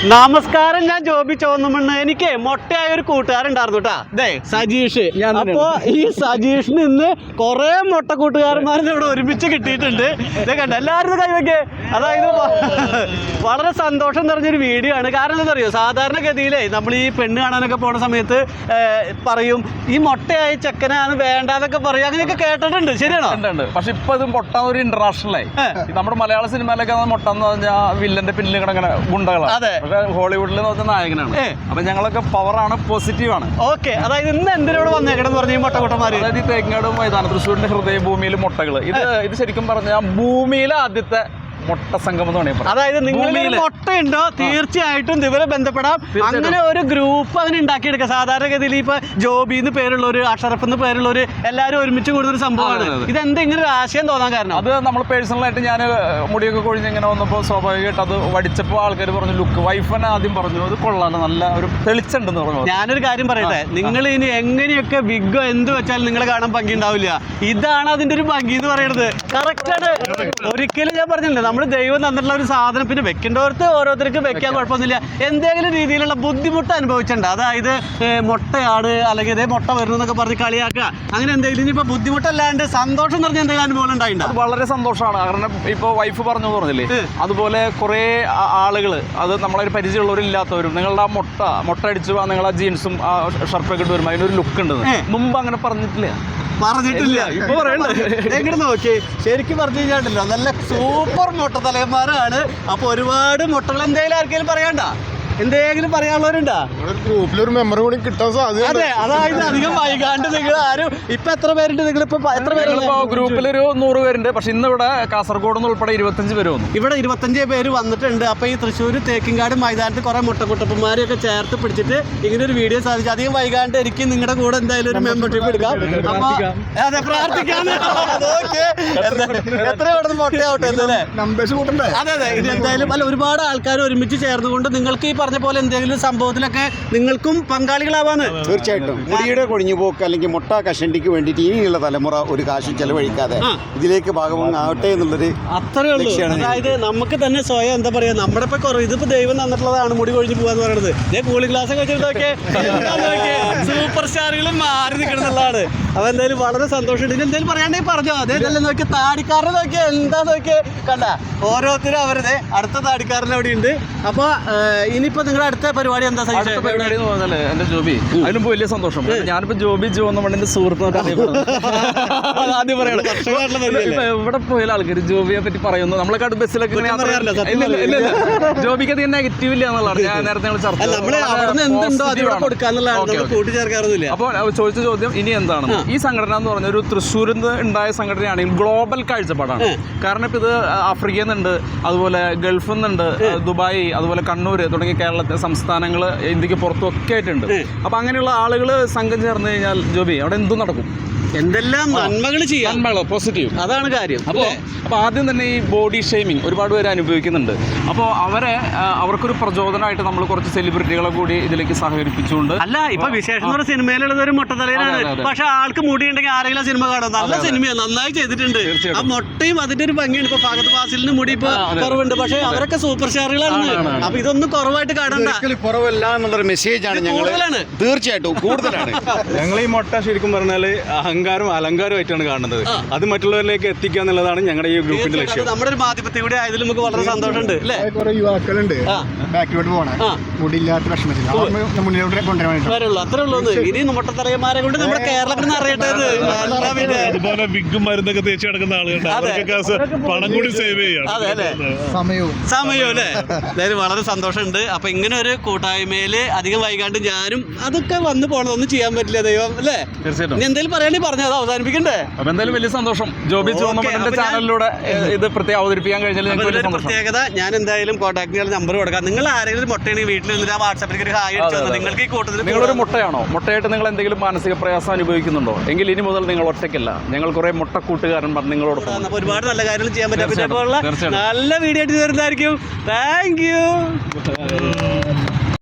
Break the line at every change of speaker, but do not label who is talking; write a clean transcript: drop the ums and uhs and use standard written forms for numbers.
നമസ്കാരം, ഞാൻ ജോബി ചോന്നമണ്ണ്. എനിക്ക് മൊട്ടയായ ഒരു കൂട്ടുകാരുണ്ടായിരുന്നു കേട്ടാ, അതെ സജീഷ്. അപ്പോ ഈ സജീഷിന് ഇന്ന് കുറെ മൊട്ട കൂട്ടുകാരന്മാരെ ഇവിടെ ഒരുമിച്ച് കിട്ടിയിട്ടുണ്ട്. ഇതേ കണ്ട എല്ലാവരും കൈവയ്ക്കേ. അതായത് വളരെ സന്തോഷം നിറഞ്ഞൊരു വീഡിയോ ആണ്. കാരണം എന്താ അറിയോ, സാധാരണഗതിയിലേ നമ്മൾ ഈ പെണ്ണ് കാണാനൊക്കെ പോണ സമയത്ത് പറയും ഈ മൊട്ടയായ ചെക്കനാണ് വേണ്ടാന്നൊക്കെ പറയും, അങ്ങനെയൊക്കെ കേട്ടിട്ടുണ്ട്. ശരിയാണോ?
പക്ഷെ ഇപ്പൊ ഇത് മൊട്ട ഒരു ഇന്റർനാഷണലായി. നമ്മുടെ മലയാള സിനിമയിലൊക്കെ മൊട്ട എന്ന് പറഞ്ഞാൽ വില്ലന്റെ പിന്നിൽ കിടങ്ങനെ ഗുണ്ടകളാണ്.
അതെ,
ഹോളിവുഡിൽ നോക്കുന്ന നായകനാണ്. അപ്പൊ ഞങ്ങളൊക്കെ പവറാണ്, പോസിറ്റീവ് ആണ്.
ഓക്കെ, അതായത് ഇന്ന് എന്തിനോട് വന്നേക്കണം പറഞ്ഞു ഈ മൊട്ടക്കുട്ടന്മാര്.
അതായത് ഈ തേങ്ങാട് മൈതാനം, തൃശ്ശൂരിന്റെ ഹൃദയഭൂമിയിൽ മുട്ടകള്. ഇത് ശരിക്കും പറഞ്ഞാൽ ഭൂമിയിലെ ആദ്യത്തെ മൊട്ട സംഗമം എന്ന് പറയുന്നത്.
അതായത് നിങ്ങൾ മൊട്ടയുണ്ടോ തീർച്ചയായിട്ടും ഇവരെ ബന്ധപ്പെടാം. അങ്ങനെ ഒരു ഗ്രൂപ്പ് അങ്ങനെ ഉണ്ടാക്കിയെടുക്കുക. സാധാരണഗതിയിൽ ഇപ്പൊ ജോബിന്ന് പേരുള്ളവര്, അഷറഫ് പേരുള്ളവര് എല്ലാവരും ഒരുമിച്ച് കൂടുന്ന ഒരു സംഭവമാണ്. ഇതെന്താ ഇങ്ങനെ ഒരു ആശയം തോന്നാൻ കാരണം?
അത് നമ്മൾ പേഴ്സണലായിട്ട് ഞാൻ മുടിയൊക്കെ കൊഴിഞ്ഞ് ഇങ്ങനെ വന്നപ്പോൾ സ്വാഭാവികമായിട്ട് അത് വടിച്ചപ്പോൾ ആൾക്കാർ പറഞ്ഞു ലുക്ക്. വൈഫനെ ആദ്യം പറഞ്ഞു അത് കൊള്ളാണ്, നല്ല ഒരു തെളിച്ചുണ്ടെന്ന് പറഞ്ഞു.
ഞാനൊരു കാര്യം പറയട്ടെ, നിങ്ങൾ ഇനി എങ്ങനെയൊക്കെ വിഗോ എന്ത് വെച്ചാലും നിങ്ങളെ കാണാൻ ഭംഗി ഉണ്ടാവില്ല. ഇതാണ് അതിന്റെ ഒരു ഭംഗി എന്ന് പറയുന്നത്. കറക്റ്റാണ്. ഒരിക്കലും ഞാൻ പറഞ്ഞില്ല, നമ്മൾ ദൈവം തന്നിട്ടുള്ള ഒരു സാധനം പിന്നെ വെക്കേണ്ടവർക്ക് ഓരോരുത്തർക്ക് വെക്കാൻ കുഴപ്പമൊന്നുമില്ല. എന്തെങ്കിലും രീതിയിലുള്ള ബുദ്ധിമുട്ട് അനുഭവിച്ചിട്ടുണ്ട്. അതായത് മുട്ടയാണ് അല്ലെങ്കിൽ ഇതേ മുട്ട വരുന്നു എന്നൊക്കെ പറഞ്ഞ് കളിയാക്കുക, അങ്ങനെ എന്തെങ്കിലും. ഇനിയിപ്പോൾ ബുദ്ധിമുട്ടല്ലാണ്ട് സന്തോഷം നിറഞ്ഞ എന്തെങ്കിലും അനുഭവം ഉണ്ടായിട്ടുണ്ട്?
അത് വളരെ സന്തോഷമാണ്. കാരണം ഇപ്പോൾ വൈഫ് പറഞ്ഞില്ലേ, അതുപോലെ കുറേ ആളുകൾ, അത് നമ്മളൊരു പരിചയമുള്ളവരില്ലാത്തവരും നിങ്ങളുടെ ആ മുട്ട അടിച്ചു നിങ്ങളുടെ ജീൻസും ആ ഷർട്ടൊക്കെ ഇട്ട് വരുമ്പോൾ അതിനൊരു ലുക്ക് ഉണ്ടെന്ന് മുമ്പ് അങ്ങനെ പറഞ്ഞിട്ടില്ല.
ഇപ്പൊ പറയണ്ടേ? എങ്ങനെ നോക്കി ശരിക്കും പറഞ്ഞു കഴിഞ്ഞാണ്ടല്ലോ, നല്ല സൂപ്പർ മുട്ട തലയന്മാരാണ്. അപ്പൊ ഒരുപാട് മുട്ടകൾ എന്തെങ്കിലും ആർക്കെങ്കിലും പറയണ്ട, എന്തെങ്കിലും പറയാനുള്ളവരുണ്ടാ?
ഗ്രൂപ്പിലൊരു മെമ്പർ കൂടി കിട്ടാൻ സാധ്യത.
അതെ, അതായത് അധികം വൈകാണ്ട് നിങ്ങൾ ആരും ഇപ്പൊ എത്ര പേരുണ്ട്? നിങ്ങളിപ്പോ എത്ര പേര്?
ഗ്രൂപ്പിലൊരു 100 പേരുണ്ട്. പക്ഷെ ഇന്ന് ഇവിടെ കാസർഗോഡ് നിന്ന് ഉൾപ്പെടെ 25 പേര് വന്നു.
ഇവിടെ 25 പേര് വന്നിട്ടുണ്ട്. അപ്പൊ ഈ തൃശ്ശൂർ തേക്കിൻകാട് മൈതാനത്ത് കുറെ മുട്ടക്കുട്ടപ്പന്മാരെയൊക്കെ ചേർത്ത് പിടിച്ചിട്ട് ഇങ്ങനെ ഒരു വീഡിയോ സാധിച്ചു. അധികം വൈകാണ്ട് എനിക്ക് നിങ്ങളുടെ കൂടെ എന്തായാലും ഒരു മെമ്പർഷിപ്പ് എടുക്കാം. അപ്പൊ അതെ, പ്രാർത്ഥിക്കാന്ന്. എത്ര ഇവിടെ മുട്ടയാവട്ടെ എന്നല്ലേ
നമ്പേഴ്സ് കൂട്ടണ്ടേ?
അതെ അതെ, ഇത് എന്തായാലും അല്ല, ഒരുപാട് ആൾക്കാർ ഒരുമിച്ച് ചേർന്നുകൊണ്ട് നിങ്ങൾക്ക് ഈ പറഞ്ഞ പോലെ എന്തെങ്കിലും സംഭവത്തിലൊക്കെ നിങ്ങൾക്കും പങ്കാളികളാവാന്ന്.
തീർച്ചയായിട്ടും മുടിയുടെ കൊഴിഞ്ഞുപോക്ക് അല്ലെങ്കിൽ മുട്ട കഷണ്ടിക്ക് വേണ്ടിയിട്ട് ഇനിയുള്ള തലമുറ ഒരു കാശും ചെലവഴിക്കാതെ ഇതിലേക്ക് ഭാഗമാകട്ടെ എന്നുള്ളൊരു
അത്രേ ഉള്ളൂ. അതായത് നമുക്ക് തന്നെ സ്വയം എന്താ പറയാ, നമ്മുടെ ഇപ്പൊ ഇതിപ്പോ ദൈവം തന്നിട്ടുള്ളതാണ് മുടി കൊഴിഞ്ഞു പോകാന്ന് പറയുന്നത്. ഇതേ കൂളിംഗ് ഗ്ലാസ് ഒക്കെ വെച്ചിട്ടൊക്കെ സൂപ്പർ സ്റ്റാറുകളും മാറി നിൽക്കണമെന്നുള്ളതാണ്. അപ്പൊ എന്തായാലും വളരെ സന്തോഷമുണ്ട്. ഇനി എന്തായാലും പറയാണ്ടെങ്കിൽ പറഞ്ഞോ. അതേതല്ലേ നോക്കിയ താടിക്കാരനെ നോക്കിയാ എന്താ നോക്കിയേ, കണ്ട ഓരോരുത്തരും അവരുടെ അടുത്ത താടിക്കാരൻ അവിടെ ഉണ്ട്. അപ്പൊ ഇനിയിപ്പോ നിങ്ങളുടെ അടുത്ത പരിപാടി എന്താ?
പരിപാടി എന്ന് പറഞ്ഞാല് എന്റെ ജോബി, അതിനുമ്പോ വലിയ സന്തോഷം. ഞാനിപ്പോ ജോബി എന്റെ സുഹൃത്തുക്കൾ ആദ്യം പറയണം. ഇവിടെ പോയാലും ആൾക്കാർ ജോബിയെ പറ്റി പറയുന്നു. നമ്മളൊക്കെ ബസ്സിലൊക്കെ ജോബിക്ക് അധികം നെഗറ്റീവ് ഇല്ല എന്നുള്ളതാണ്. ഞാൻ നേരത്തെ അപ്പോൾ ചോദിച്ച ചോദ്യം ഇനി എന്താണ്? ഈ സംഘടന എന്ന് പറഞ്ഞ ഒരു തൃശ്ശൂരിൽ നിന്ന് ഉണ്ടായ സംഘടനയാണെങ്കിൽ ഗ്ലോബൽ കാഴ്ചപ്പാടാണ്. കാരണം ഇപ്പൊ ഇത് ആഫ്രിക്കയിൽ നിന്നുണ്ട്, അതുപോലെ ഗൾഫിൽ നിന്നുണ്ട്, ദുബായ്, അതുപോലെ കണ്ണൂർ തുടങ്ങിയ കേരളത്തിലെ സംസ്ഥാനങ്ങൾ, ഇന്ത്യക്ക് പുറത്തൊക്കെ ആയിട്ടുണ്ട്. അപ്പൊ അങ്ങനെയുള്ള ആളുകൾ സംഘം ചേർന്ന് കഴിഞ്ഞാൽ ജോബി അവിടെ എന്തും നടക്കും.
എന്തെല്ലാം നന്മകൾ ചെയ്യാം,
പോസിറ്റീവ്,
അതാണ് കാര്യം.
അപ്പോൾ ആദ്യം തന്നെ ഈ ബോഡി ഷെയ്മിങ് ഒരുപാട് പേര് അനുഭവിക്കുന്നുണ്ട്. അപ്പോൾ അവർക്കൊരു പ്രചോദനമായിട്ട് നമ്മൾ കുറച്ച് സെലിബ്രിറ്റികളെ കൂടി ഇതിലേക്ക് സഹകരിപ്പിച്ചുകൊണ്ട്.
അല്ല, ഇപ്പൊ വിശേഷം എന്ന് പറഞ്ഞ സിനിമയിലുള്ളത് ഒരു മുട്ടത്തലയിലാണ്. പക്ഷെ ആൾക്ക് മുടി ഉണ്ടെങ്കിൽ ആരെങ്കിലും സിനിമ കാണും. നല്ല സിനിമയാണ്, നന്നായി ചെയ്തിട്ടുണ്ട്. ആ മുട്ടയും അതിന്റെ ഒരു ഭംഗിയാണ്. ഇപ്പൊ ഫഹദ് ഫാസിലിന് മുടി ഇപ്പൊ കുറവുണ്ട്, പക്ഷെ അവരൊക്കെ സൂപ്പർ സ്റ്റാറുകളാണ്. അപ്പൊ ഇതൊന്നും കുറവായിട്ട് കാണണ്ട,
കുറവല്ല എന്നുള്ളൊരു മെസ്സേജാണ് ഞങ്ങൾ. തീർച്ചയായിട്ടും കൂടുതലാണ്.
ഞങ്ങൾ ഈ മുട്ട ശരിക്കും പറഞ്ഞാൽ അഹങ്കാരം അലങ്കാരമായിട്ടാണ് കാണുന്നത്. അത് മറ്റുള്ളവരിലേക്ക് എത്തിക്കുക എന്നുള്ളതാണ് ഞങ്ങളുടെ ഈ ഗ്രൂപ്പിന്റെ ലക്ഷ്യം.
നമ്മുടെ ഒരു മാധ്യമത്തിൽ കൂടെ ആയതിൽ നമുക്ക് വളരെ സന്തോഷമുണ്ട്.
കുറെ യുവാക്കളുണ്ട് ബാക്കിലോട്ട് പോകണം, മുടിയില്ലാത്ത പ്രശ്നത്തിൽ മുന്നിലോട്ട് കൊണ്ടുവരാൻ.
അത്രേ ഉള്ളൂ. ഇനി മുട്ടത്തലയന്മാരെ കൊണ്ട് നമ്മുടെ കേരളത്തിൽ അറിയട്ടെ.
അതുപോലെ വിഗും മരുന്നൊക്കെ തേച്ച് കിടക്കുന്ന ആളുകളുണ്ട്, പണം കൂടി സേവ് ചെയ്യാം.
അതെ അല്ലേ, സമയവും അല്ലേ. അതായത് വളരെ സന്തോഷമുണ്ട്. അപ്പൊ ഇങ്ങനെ ഒരു കൂട്ടായ്മയില് അധികം വൈകാണ്ട് ഞാനും അതൊക്കെ വന്നു പോകണം. ചെയ്യാൻ പറ്റില്ല ദൈവം അല്ലേ.
തീർച്ചയായിട്ടും.
ഇനി എന്തെങ്കിലും പറയാനേ പറഞ്ഞത് അവസാനിപ്പിക്കണ്ടേ?
അപ്പൊ എന്തായാലും വലിയ സന്തോഷം ജോബി ചോന്നമണ്ണിന്റെ ചാനലിലൂടെ ഇത് പ്രത്യേകം അവതരിപ്പിക്കാൻ കഴിഞ്ഞാൽ
പ്രത്യേകത. ഞാൻ എന്തായാലും കോൺടാക്ട് നമ്പർ കൊടുക്കാം. നിങ്ങൾ ആരെങ്കിലും മുട്ടയാണെങ്കിൽ വീട്ടിൽ നിന്നിട്ട് ആ വാട്സാപ്പിലേക്ക് ഒരു ഹായ് അടിച്ചു തന്നു. നിങ്ങൾക്ക് ഈ കൂട്ടത്തിൽ
നിങ്ങളൊരു മുട്ടയാണോ? മുട്ടയായിട്ട് നിങ്ങൾ എന്തെങ്കിലും മാനസിക പ്രയാസം അനുഭവിക്കുന്നുണ്ടോ എങ്കിൽ ഇനി മുതൽ നിങ്ങൾ ഒറ്റയ്ക്കല്ല. ഞങ്ങൾ കുറെ മുട്ട കൂട്ടുകാരന്മാർ നിങ്ങളോടൊപ്പം.
ഒരുപാട് നല്ല കാര്യങ്ങൾ ചെയ്യാൻ പറ്റും. നല്ല വീഡിയോ ആയിട്ട് വരുന്നതായിരിക്കും. Thank U.